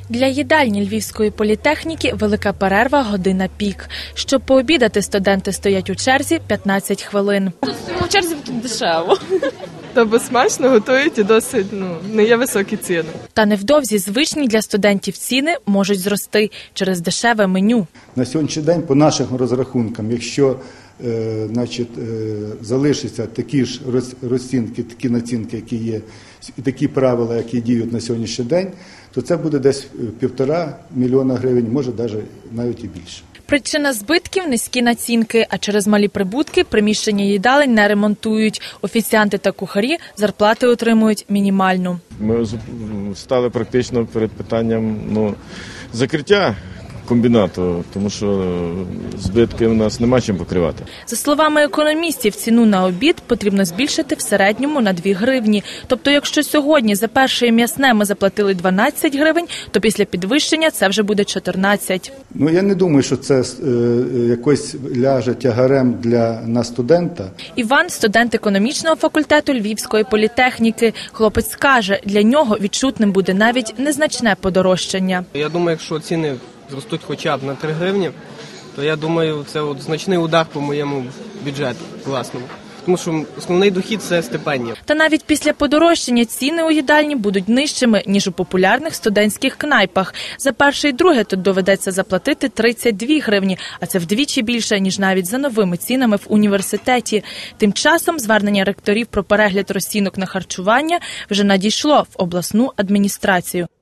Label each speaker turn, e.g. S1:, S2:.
S1: Для їдальні Львівської політехніки велика перерва година пік. Щоб пообідати, студенти стоять у черзі 15 хвилин.
S2: В черзі тут дешево.
S3: Та бо смачно готують і досить, не є високі ціни.
S1: Та невдовзі звичні для студентів ціни можуть зрости через дешеве меню.
S4: На сьогоднішній день, по нашим розрахункам, якщо залишаться такі ж розцінки, такі націнки, які є, і такі правила, які діють на сьогоднішній день, то це буде десь 1,5 мільйона гривень, може навіть і більше.
S1: Причина збитків – низькі націнки, а через малі прибутки приміщення їдалень не ремонтують. Офіціанти та кухарі зарплати отримують мінімальну.
S5: Ми стали практично перед питанням закриття комбінату, тому що збитки у нас нема чим покривати.
S1: За словами економістів, ціну на обід потрібно збільшити в середньому на 2 гривні. Тобто, якщо сьогодні за перше м'ясне ми заплатили 12 гривень, то після підвищення це вже буде 14.
S4: Я не думаю, що це якось ляже тягарем на студента.
S1: Іван – студент економічного факультету Львівської політехніки. Хлопець каже, для нього відчутним буде навіть незначне подорожчання.
S6: Я думаю, якщо ціни зростуть хоча б на 3 гривні, то я думаю, це значний удар по моєму бюджету власному. Тому що основний дохід – це стипендія.
S1: Та навіть після подорожчання ціни у їдальні будуть нижчими, ніж у популярних студентських кнайпах. За перше і друге тут доведеться заплатити 32 гривні, а це вдвічі більше, ніж навіть за новими цінами в університеті. Тим часом звернення ректорів про перегляд розцінок на харчування вже надійшло в обласну адміністрацію.